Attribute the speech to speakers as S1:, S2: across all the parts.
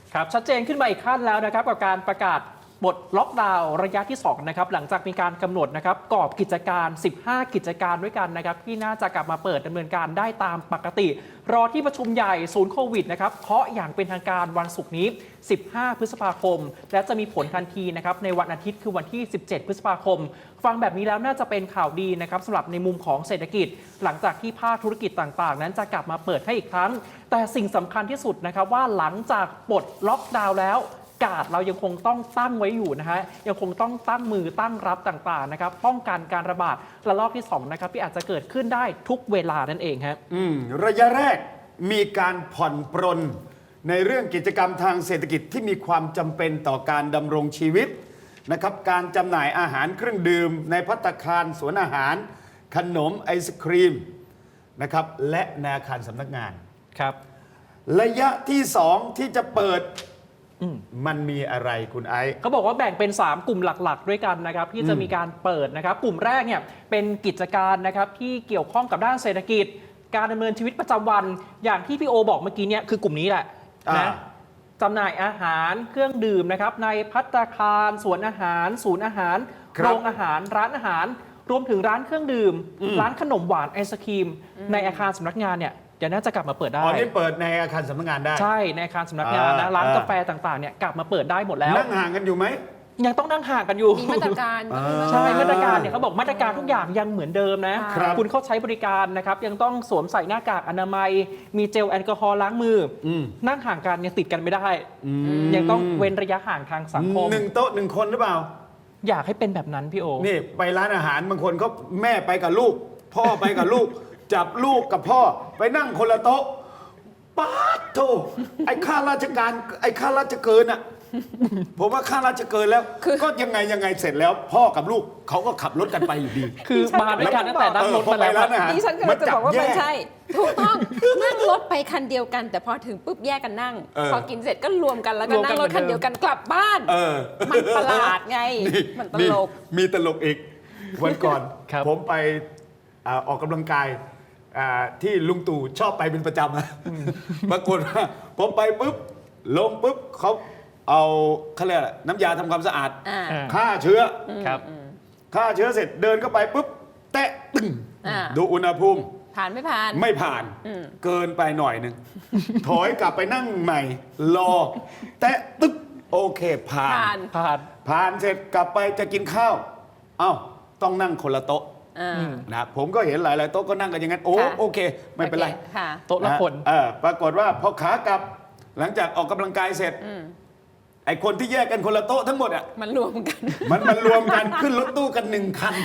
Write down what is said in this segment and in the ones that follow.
S1: ครับชัดเจนขึ้นมาอีกขั้นแล้วนะครับกับการประกาศบทล็อกดาวน์ระยะที่2นะครับหลังจากมีการกำหนดนะครับกรอบกิจการ15กิจการด้วยกันนะครับที่น่าจะกลับมาเปิดดำเนินการได้ตามปกติรอที่ประชุมใหญ่ศูนย์โควิดนะครับเคาะอย่างเป็นทางการวันศุกร์นี้15พฤษภาคมและจะมีผลทันทีนะครับในวันอาทิตย์คือวันที่17พฤษภาคมฟังแบบนี้แล้วน่าจะเป็นข่าวดีนะครับสำหรับในมุมของเศรษฐกิจหลังจากที่ภาคธุรกิจต่างๆนั้นจะกลับมาเปิดให้อีกครั้งแต่สิ่งสำคัญที่สุดนะครับว่าหลังจากปลดล็อกดาวน์แล้วกาดเรายังคงต้องตั้งไว้อยู่นะฮะยังคงต้องตั้งมือตั้งรับต่างๆนะครับป้องกันการระบาดระลอกที่2นะครับที่อาจจะเกิดขึ้นได้ทุกเวลานั่นเองครับ
S2: ระยะแรกมีการผ่อนปรนในเรื่องกิจกรรมทางเศรษฐกิจที่มีความจำเป็นต่อการดำรงชีวิตนะครับการจำหน่ายอาหารเครื่องดื่มในภัตตาคารสวนอาหารขนมไอศครีมนะครับและในอาคารสำนักงาน
S1: ครับ
S2: ระยะที่2ที่จะเปิดมันมีอะไรคุณไอซ์
S1: เขาบอกว่าแบ่งเป็น3กลุ่มหลักๆด้วยกันนะครับที่จะมีการเปิดนะครับกลุ่มแรกเนี่ยเป็นกิจการนะครับที่เกี่ยวข้องกับด้านเศรษฐกิจการดำเนินชีวิตประจำวันอย่างที่พี่โอบอกเมื่อกี้เนี่ยคือกลุ่มนี้แหละนะจำหน่ายอาหารเครื่องดื่มนะครับในภัตตาคารสวนอาหารศูนย์อาหารโรงอาหารร้านอาหารรวมถึงร้านเครื่องดื่มร้านขนมหวานไอศครีมในอาคารสำนักงานเนี่ยเดี๋ยวน่าจะกลับมาเปิดได้
S2: อ๋อนี่เปิดในอาคารสำนักงานได้
S1: ใช่ในอาคารสำนักงานนะร้านกาแฟต่างๆเนี่ยกลับมาเปิดได้หมดแล้ว
S2: นั่งห่างกันอยู่ไหม
S1: ยังต้องนั่งห่างกันอยู่
S3: มีมาตรการ
S1: ใช่มาตรการเนี่ยเขาบอกมาตรการทุกอย่างยังเหมือนเดิมนะคุณเข้าใช้บริการนะครับยังต้องสวมใส่หน้ากากอนามัยมีเจลแอลกอฮอล์ล้างมือนั่งห่างกันยังติดกันไม่ได้ยังต้องเว้นระยะห่างทางสังคม
S2: 1 โต๊ะ 1 คนหรือเปล่า
S1: อยากให้เป็นแบบนั้นพี่โอ
S2: นี่ไปร้านอาหารบางคนเขาแม่ไปกับลูกพ่อไปกับลูกจับลูกกับพ่อไปนั่งคนละโต๊ะป๊าดโธ่ไอ้ข้าราชการไอ้ข้าราชเกินอ่ะผมว่าข้าราชเกินแล้วก็ยังไงเสร็จแล้วพ่อกับลูกเขาก็ขับรถกันไปอยู่ดี
S1: คือมาด้วยกันตั้งแต่นั่งรถมาแล้ว
S3: ดิฉันก็จะบอกว่ามันใช่ถูกต้องนั่งรถไปคันเดียวกันแต่พอถึงปุ๊บแยกกันนั่งพอกินเสร็จก็รวมกันแล้วก็นั่งรถคันเดียวกันกลับบ้านมันประหลาดไงมันตลก
S2: มีตลกอีกวันก่อนผมไปออกกำลังกายที่ลุงตู่ชอบไปเป็นประจำปรากฏว่าผมไปปุ๊บลงปุ๊บเขาเอาเขาเรียกอะไรน้ำยาทำความสะอาดฆ่าเชื้อฆ่าเชื้อเสร็จเดินเข้าไปปุ๊บแตะตึ้งดูอุณหภูมิ
S3: ผ่านไม่ผ่าน
S2: ไม่ผ่านเกินไปหน่อยหนึ่งถอยกลับไปนั่งใหม่รอแตะตึ๊บโอเคผ่านเสร็จกลับไปจะกินข้าวเอ้าต้องนั่งคนละโต๊ะนะผมก็เห็นหลายๆโต๊ะก็นั่งกันอย่างนั้นโอเคไม่เป็นไร
S1: โต๊ะละคน
S2: ปรากฏว่าพอขากลับหลังจากออกกำลังกายเสร็จไอ้คนที่แยกกันคนละโต๊ะทั้งหมดอ่ะ
S3: มันรวมกัน
S2: มันรวมกันขึ้นรถตู้กัน1 คัน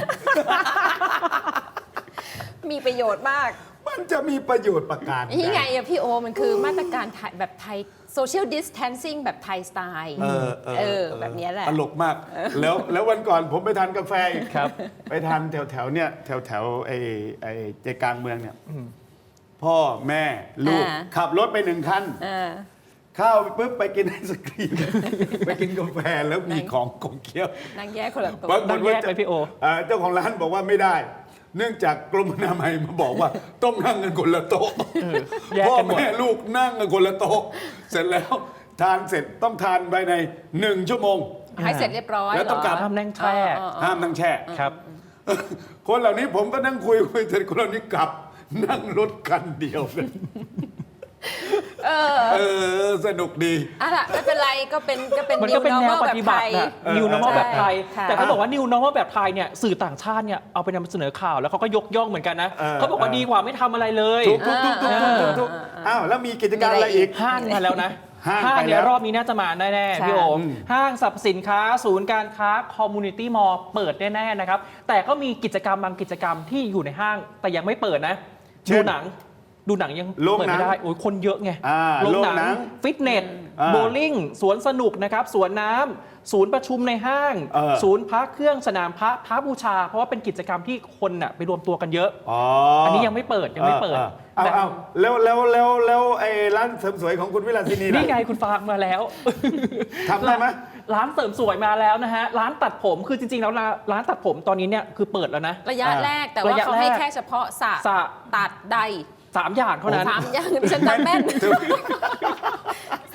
S3: มีประโยชน์มาก
S2: มันจะมีประโยชน์ประการ
S3: นี่ไงอะพี่โอมันคือมาตรการแบบไทย social distancing แบบไทยสไตล์แบบนี้แหละ
S2: ตลกมากแล้ววันก่อนผมไปทานกาแฟไปทานแถวเนี่ยแถวไอ้ใจกลางเมืองเนี่ยพ่อแม่ลูกขับรถไป1 คันเข้าปุ๊บไปกินไอศกรีมไปกินกาแฟแล้วมีของเคี้ยว
S3: นั่งแยกคนละโต๊ะ
S1: นั่งแยกไปพี่โอ
S2: เจ้าของร้านบอกว่าไม่ได้เนื่องจากกรมอนามัยมาบอกว่าต้องนั่งกันคนละโต๊ะพ่อแม่ลูกนั่งกันคนละโต๊ะเสร็จแล้วทานเสร็จต้องทานภายใน1 ชั่วโมง
S3: ให้เสร็จเรียบร้อย
S2: แล้วต้องกลับ
S1: ห้ามนั่งแช่
S2: ครับคนเหล่านี้ผมก็นั่งคุยเสร็จคนเหล่านี้กลับนั่งรถคันเดียวเลยสนุกดี
S3: ไม่เป็นไรก็เป็น
S1: มันก็เป็นแนวปฏิบัตินะ New Normal แบบไทยแต่เขาบอกว่า New Normal แบบไทยเนี่ยสื่อต่างชาติเนี่ยเอาไปนำเสนอข่าวแล้วเขาก็ยกย่องเหมือนกันนะเขาบอกว่าดีกว่าไม่ทำอะไรเลย
S2: ถูกอ้าวแล้วมีกิจการอะไรอีก
S1: ห้างมาแล้วนะห้างเนี่ยรอบนี้น่าจะมาแน่ๆพี่โอมห้างสรรพสินค้าศูนย์การค้าคอมมูนิตี้มอลล์เปิดแน่ๆนะครับแต่ก็มีกิจกรรมบางกิจกรรมที่อยู่ในห้างแต่ยังไม่เปิดนะดูหนังยังเปิดไม่ได้โอ้ยคนเยอะไงโรงหนังฟิตเนสโบลิ่งสวนสนุกนะครับสวนน้ำศูนย์ประชุมในห้างศูนย์พักเครื่องสนามพระบูชาเพราะว่าเป็นกิจกรรมที่คนน่ะไปรวมตัวกันเยอะอันนี้ยังไม่เปิด
S2: เอาแล้วไอ้ร้านเสริมสวยของคุณวิลาสินี
S1: นี่ไงคุณฟางมาแล้ว
S2: ทำได้ไหม
S1: ร้านเสริมสวยมาแล้วนะฮะร้านตัดผมคือจริงๆแล้วร้านตัดผมตอนนี้เนี่ยคือเปิดแล้วนะ
S3: ระยะแรกแต่ว่าเขาให้แค่เฉพาะสระตัดใด
S1: 3 อย่างเท่านั้น
S3: 3 อย่างฉันจำแม่น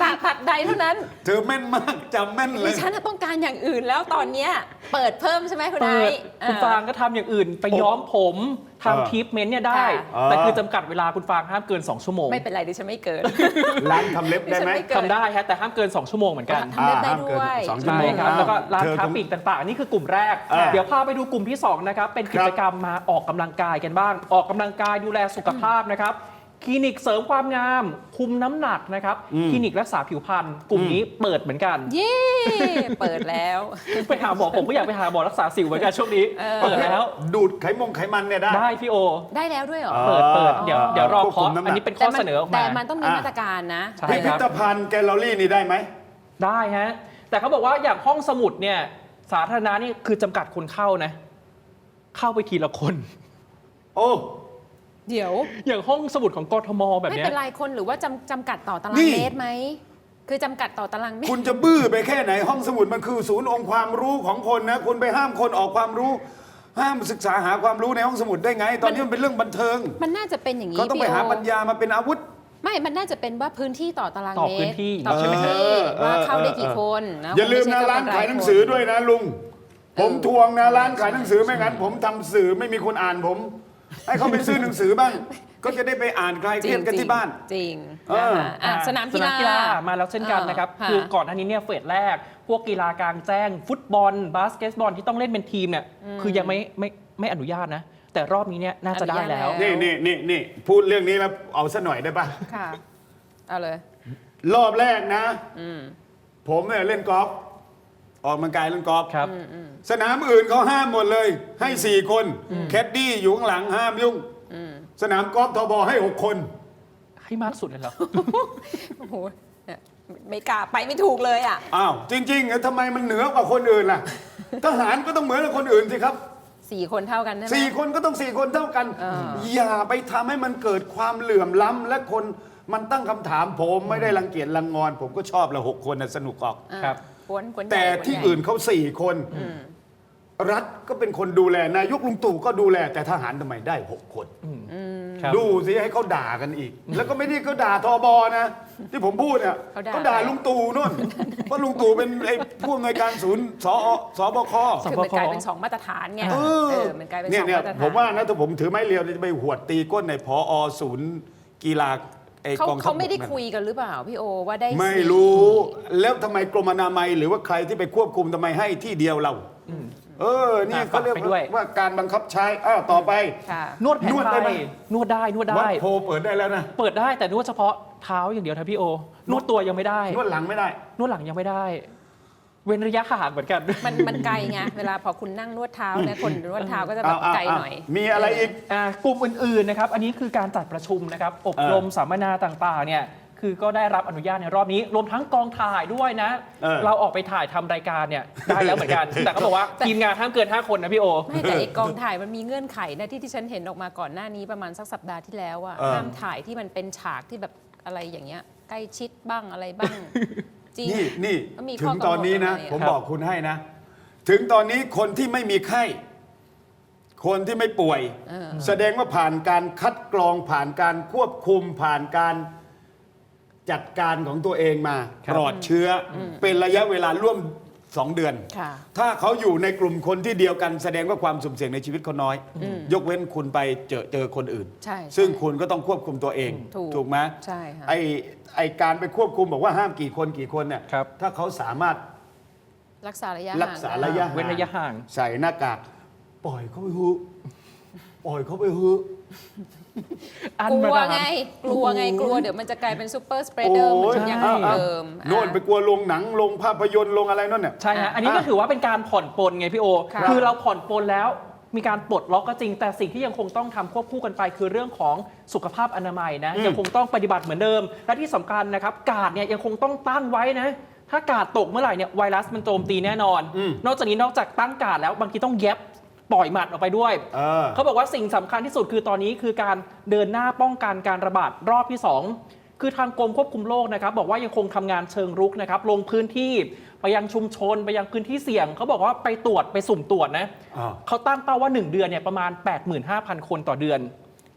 S3: ตัดใดเท่านั้น
S2: เธอแม่นมากจำแม่นเล
S3: ดิ
S2: ย
S3: ฉันน่ะต้องการอย่างอื่นแล้วตอนเนี้ยเปิดเพิ่มใช่ไหมคุณไอ
S1: เปิด
S3: ซ์
S1: คุณฟางก็ทำอย่างอื่น ไปย้อมผมทำทรีทเมนต์เนี่ยได้
S3: ค่ะ
S1: แต่คือจำกัดเวลาคุณฟางห้ามเกิน 2 ชั่วโมง
S3: ไม่เป็นไรดิฉันไม่เกิน
S2: ร้านทำเล็บได้ไหม
S3: ดิฉันไม่เกิน
S1: ทำได้ฮะแต่ห้ามเกิน 2 ชั่วโมงเหมือนกัน
S3: ทำเล็บได้
S2: ห้ามเกิน
S3: ด้วย
S2: 2 ชั่ว
S1: ใช่
S2: โมง
S1: ครับแล้วก็ร้าน
S2: เธอ
S1: ค้า
S2: คง
S1: ปลีกต่างๆ นี่คือกลุ่มแรก
S2: อ่า
S1: เดี๋ยวพาไปดูกลุ่มที่ 2 นะครับ เป็นกิจกรรมมาออกกำลังกายกันบ้าง ออกกำลังกายดูแลสุขภาพนะครับ คลินิกเสริมความงาม คุมน้ำหนักนะครับ คลินิกรักษาผิวพรรณกลุ่มนี้เปิดเหมือนกัน
S3: เย้เปิดแล้ว
S1: ไปหาหมอผมก็อยากไปหาหมอรักษาสิวเหมือนกันช่วงนี้ เปิดแล้ว
S2: ดูดไขมันเนี่ยได้
S1: ได้พี่โอ
S3: ได้แล้วด้วยเหรอ
S2: เออ
S1: เปิดเดี๋ยวรอ
S2: ควบคุ
S1: เคาะ
S2: มน้ำหนัก
S1: อันนี้เป็นข้อเสนอออก
S3: แต่
S1: มา
S3: มันต้องมีมาตรการนะ
S1: ใช่
S2: พิพิธภัณฑ์แกลเลอรี่นี่ได้ไหม
S1: ได้ฮะ แต่เขาบอกว่าอย่างห้องสมุดเนี่ยสาธารณะนี่คือจำกัดคนเข้านะ เข้าไปทีละคน
S2: โอ้
S3: เดี๋ยว
S1: อย่างห้องสมุดของกทมแบบ
S3: ไม่
S1: เนี้ย
S3: เป็นไรคนหรือว่าจำกัดต่อตาราง
S2: นี่
S3: เมตรไหม คือจำกัดต่อตารางเมตร
S2: คุณจะบื้อไปแค่ไหนห้องสมุดมันคือศูนย์องค์ความรู้ของคนนะ คุณไปห้ามคนออกความรู้ ห้ามศึกษาหาความรู้ในห้องสมุดได้ไง ตอนนี้มันเป็นเรื่องบันเทิง
S3: มันน่าจะเป็นอย่างนี้
S2: เขาต้องไป
S3: พี่โ
S2: หาปัญญามาเป็นอาวุธ
S3: ไม่ มันน่าจะเป็นว่าพื้นที่ต่อตาราง
S1: ต่อ
S3: เม
S1: พื้
S3: ต
S1: น
S3: ร
S1: ที่
S3: ต่อ
S1: ใช่ไหม
S3: พื้น
S1: ฮะ
S3: ที่ว่าเข้าได้กี่คนนะ
S2: อย่าลืม
S3: คง
S2: นะ
S3: ไใช่
S2: ร้านขายหนังสือด้วยนะลุง ผมทวงนะร้านขายหนังสือไม่งั้น ผมทำสื่อไม่มีคนอ่านผม ให้เขาไปซื้อหนังสือบ้าง ก็จะได้ไปอ่านคลายเครียดกันที่บ้าน
S3: จริง
S2: เออ
S3: นะคะอ่ะสนามกีฬา
S1: มาแล้วเช่นกันนะครับ
S3: ค่ะ
S1: คือก่อนหน้านี้เนี่ยเฟสแรก พวกกีฬากลางแจ้ง ฟุตบอล บาสเกตบอลที่ต้องเล่นเป็นทีมเนี่ยคือยังไม่อนุญาตนะ แต่รอบนี้เนี่ยน่าจะได้แล้ว
S3: อนุญาตแล้ว
S2: นี่พูดเรื่องนี้แล้วเอาซะหน่อยได้ปะ
S3: ค่ะ เอาเลย
S2: รอบแรกนะ ผมเนี่ยเล่นกอล์ฟออกกำลังกายเล่นกอล์ฟ
S1: ครับ
S2: สนามอื่นเขาห้ามหมดเลย ให้ 4 คน แคดดี้อยู่ข้างหลังห้ามยุ่ง สนามกอล์ฟทบให้ 6 คน
S1: ให้มากสุดเลยเหรอ
S3: โอ้โหเนี่ยไม่กล้าไปไม่ถูกเลยอ่ะ
S2: อ้าวจริงๆเหรอทำไมมันเหนือกว่าคนอื่นล่ะ ทหารก็ต้องเหมือนกับคนอื่นสิครับ
S3: 4 คนเท่ากันใช่ไหม
S2: 4 คนก็ต้อง 4 คนเท่ากัน อย่าไปทำให้มันเกิดความเหลื่อมล้ำและคนมันตั้งคำถามผมไม่ได้รังเกียจรังงอน ผมก็ชอบละ6 คนนะสนุกออก
S3: อ่า
S1: ครับ
S3: กวนใหญ่
S2: แต่ที่อื่นเขา4 คน รัฐก็เป็นคนดูแลนายกลุงตู่ก็ดูแล แต่ทหารทำไมได้ 6 คน
S1: ครับ
S2: ดูสิให้เขาด่ากันอีก แล้วก็ไม่ได้เขาด่าทบนะ ที่ผมพูดเนี่ย
S3: เขาด่า
S2: ลุงตู่นู่น เพราะลุงตู่เป็นไอ้ผู้อำนวยการศูนย์สบค
S3: คือมันกลายเป็น2 มาตรฐานไง
S2: เออ
S3: มันกลายเป็น
S2: เนี่ย
S3: 2 มาตรฐาน
S2: ผมว่านะถ้าผมถือไม้เรียวจะไปหวดตีก้นในพอศูนย์กีฬาไอ้กองทัพ
S3: เขาไม่ได้
S2: บกนั่น
S3: คุยกันหรือเปล่าพี่โอว่าได้
S2: ไม่
S3: 4
S2: รู้ แล้วทำไมกรมอนามัยหรือว่าใครที่ไปควบคุมทำไมให้ที่เดียวเรานี่เขาเรียก
S1: ฝากไปด้วย
S2: ว่าการบังคับใช้ต่อไป
S3: ค่ะ
S1: นวดแผน
S2: นวด
S1: ไท
S2: ได้ไหม
S1: ยนวดได้นวด
S2: วั
S1: ได้
S2: ดโพเปิดได้แล้วนะ
S1: เปิดได้แต่นวดเฉพาะเท้าอย่างเดียวนะพี่โอ นวดตัวยังไม่ได้
S2: นวดหลังไม่ได้
S1: นวดหลังยังไม่ได้ เว้นระยะห่างเหมือนกัน
S3: มันไกลไงเวลาพอคุณนั่งนวดเท้าเนี่ยคนนวดเท้าก็จะแบบไกลหน่อย
S2: มีอะไรอีก
S1: กลุ่มอื่นๆนะครับ อันนี้คือการจัดประชุมนะครับ อบรมสัมมนาต่างๆ เนี่ย คือก็ได้รับอนุญาตในรอบนี้ รวมทั้งกองถ่ายด้วยนะ เราออกไปถ่ายทำรายการเนี่ยได้แล้วเหมือนกัน แต่เขาบอกว่าทีมงานห้ามเกิน 5 คนนะพี่โอ
S3: ไม่แต่ไอกองถ่ายมันมีเงื่อนไขนะที่ฉันเห็นออกมาก่อนหน้านี้ประมาณสักสัปดาห์ที่แล้วอะห้ามถ่ายที่มันเป็นฉากที่แบบอะไรอย่างเงี้ยใกล้ชิดบ้างอะไรบ้าง จริง
S2: นี่
S3: ก็มี
S2: ถึ
S3: ข้อง กำหนด
S2: ตอนนี้นะ
S3: อะไร
S2: ผม
S1: ครับ
S2: บอกคุณให้นะ ถึงตอนนี้คนที่ไม่มีไข้ คนที่ไม่ป่วย แสดงว่าผ่านการคัดกรองผ่านการควบคุมผ่านการจัดการของตัวเองมา
S1: ครับ
S2: ปลอดเชื้ออเป็นระยะเวลาร่วม 2 เดือน
S3: ค่ะ
S2: ถ้าเขาอยู่ในกลุ่มคนที่เดียวกัน แสดงว่าความสุ่มเสี่ยงในชีวิตเขาน้อย ยกเว้นคุณไปเจอคนอื่น
S3: ใช่
S2: ซึ่งคุณก็ต้องควบคุมตัวเอง
S3: ถูก
S2: ไหม
S3: ใช่ค่ะ
S2: ไอการไปควบคุมบอกว่าห้ามกี่คนเนี่ย
S1: ครับ
S2: ถ้าเขาสามารถ
S3: รักษาระยะ
S2: รักษาระยะ
S1: เว้นระยะห่าง
S2: ใส่หน้ากากปล่อยเขาไปฮือปล่อยเขาไปฮือ
S1: อัน
S3: กลั
S1: มาว ดาม
S3: ไงกลัวเดี๋ยวมันจะกลายเป็นซูเปอร์สเปรเดอร์เหมือนอย่างเดิม
S2: โน่นไปกลัวลงหนังลงภาพยนตร์ลงอะไรนั่นเนี่ย
S1: ใช่ฮะ อันนี้ก็ถือว่าเป็นการผ่อนปลนไงพี่โอ
S3: ค่ะ
S1: คือเราผ่อนปลนแล้วมีการปลดล็อกก็จริง แต่สิ่งที่ยังคงต้องทำควบคู่กันไป คือเรื่องของสุขภาพอนามัยนะยังคงต้องปฏิบัติเหมือนเดิม และที่สำคัญนะครับกาดเนี่ยยังคงต้องตั้งไว้นะ ถ้ากาดตกเมื่อไหร่เนี่ยไวรัสมันโจมตีแน่นอน นอกจากนี้นอกจากตั้งกาดแล้วบางทีต้องเย็บปล่อยหมัดออกไปด้วย เขาบอกว่าสิ่งสำคัญที่สุดคือตอนนี้คือการเดินหน้าป้องกันการระบาดรอบที่ 2 คือทางกรมควบคุมโรคนะครับบอกว่ายังคงทำงานเชิงรุกนะครับลงพื้นที่ไปยังชุมชนไปยังพื้นที่เสี่ยงเขาบอกว่าไปตรวจไปสุ่มตรวจนะเขาตั้งเป้าว่า 1 เดือนเนี่ยประมาณ 85,000 คนต่อเดือน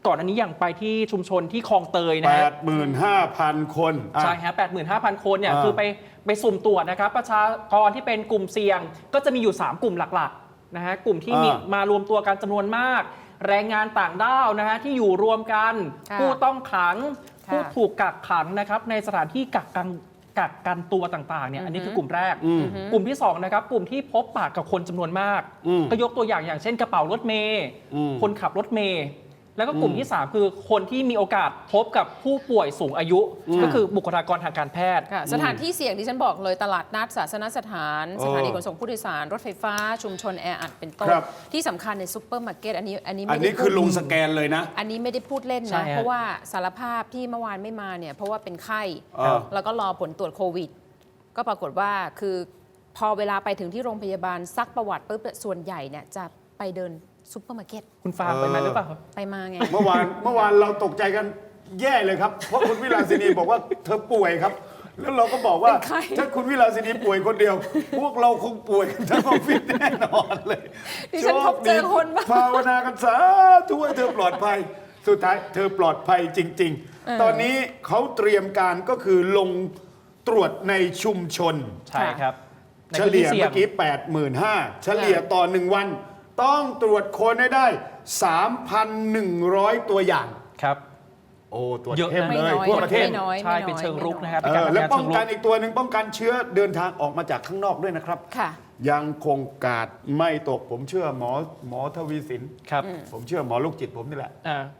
S1: ก่อนอันนี้อย่างไปที่ชุมชนที่คลองเตยนะฮะ
S2: 85,000 คนอ่ะ
S1: ใช่ฮะ 85,000 คนเนี่ย
S2: อ่า
S1: คือไปสุ่มตรวจนะครับ ประชากรที่เป็นกลุ่มเสี่ยง ก็จะมีอยู่ 3 กลุ่มหลักๆนะฮะ กลุ่มที่มีมารวมตัวกันจำนวนมาก แรงงานต่างด้าวนะฮะที่อยู่รวมกัน
S3: ค่ะ
S1: ผู้ต้องขัง
S3: ค่ะ
S1: ผู้ถูกกักขังนะครับในสถานที่กักกันตัวต่างๆเนี่ยอันนี้คือกลุ่มแรก กลุ่มที่2นะครับกลุ่มที่พบปะกับคนจำนวนมาก ก็ยกตัวอย่างเช่นกระเป๋ารถเมย์คนขับรถเมย์แล้วก็กลุ่มที่ 3 คือคนที่มีโอกาสพบกับผู้ป่วยสูงอายุ ก็คือบุคลากรทางการแพทย์
S3: ค่ะสถานที่เสี่ยงที่ฉันบอกเลยตลาดนัดศาสนสถาน สถานีขนส่งผู้โดยสาร รถไฟฟ้า ชุมชนแออัดเป็นต้น
S2: ครับ
S3: ที่สำคัญในซุปเปอร์มาร์เก็ตอันนี้
S2: อัน
S3: ไม่
S2: นี้
S3: ได้
S2: คือ
S3: พูด
S2: ลงสแกนเลยนะ
S3: อันนี้ไม่ได้พูดเล่น
S1: ใช่
S3: นะ
S1: ฮะ
S3: เพราะว่าสารภาพที่เมื่อวานไม่มาเนี่ยเพราะว่าเป็นไข้
S2: ครับ
S3: แล้วก็รอผลตรวจโควิด ก็ปรากฏว่าคือพอเวลาไปถึงที่โรงพยาบาลซักประวัติปุ๊บส่วนใหญ่เนี่ยจะไปเดินซุปเปอร์มาร์เก็ต
S1: คุณฟางไปไหมหรือเปล่าครับ
S3: ไปมาไง
S2: เมื่อวานเราตกใจกันแย่เลยครับ เพราะคุณวิลาสินีบอกว่าเธอป่วยครับ แล้วเราก็บอกว่า
S3: เป็นใคร
S2: ถ้าคุณวิลาสินีป่วยคนเดียว พวกเราคงป่วยกันทั้งออฟฟิศแน่นอนเลย
S3: ดิฉันพบเจอคนบ้าง
S2: ภาวนากันสาธุให้เธอปลอดภัย สุดท้ายเธอปลอดภัยจริง ๆ ตอนนี้เขาเตรียมการก็คือลงตรวจในชุมชน
S1: ใช่ครับใน
S2: เฉ
S1: พื้น
S2: ลี่
S1: ที่
S2: ย
S1: เสี่ย
S2: เมื่
S1: ง
S2: อกี้ 85,000 เฉลี่ยต่อ 1 วัน ต้องตรวจคนให้ได้ 3,100 ตัวอย่าง
S1: ครับ
S2: โอ้ ตรวจ
S1: เยอะ
S2: เข้ม
S1: นะ
S2: เลย
S3: ไม่น้อย
S2: ทั่วประเทศ
S3: ไม่น้อย
S1: ใช่เป็นเชิงรุกนะครับ
S2: เอ
S1: เป็นการ
S2: อ
S1: ทำ
S2: และ
S1: งาน
S2: ป้
S1: เชิ
S2: อง
S1: งรุ
S2: กัน
S1: ก
S2: อีกตัวหนึ่งป้องกันเชื้อเดินทางออกมาจากข้างนอกด้วยนะครับ
S3: ค่ะ
S2: ยังคงกาดไม่ตกผมเชื่อหมอทวีสิน
S1: ครับ
S2: ผมเชื่อหมอลูกจิตผมนี่แหละ
S1: อ่า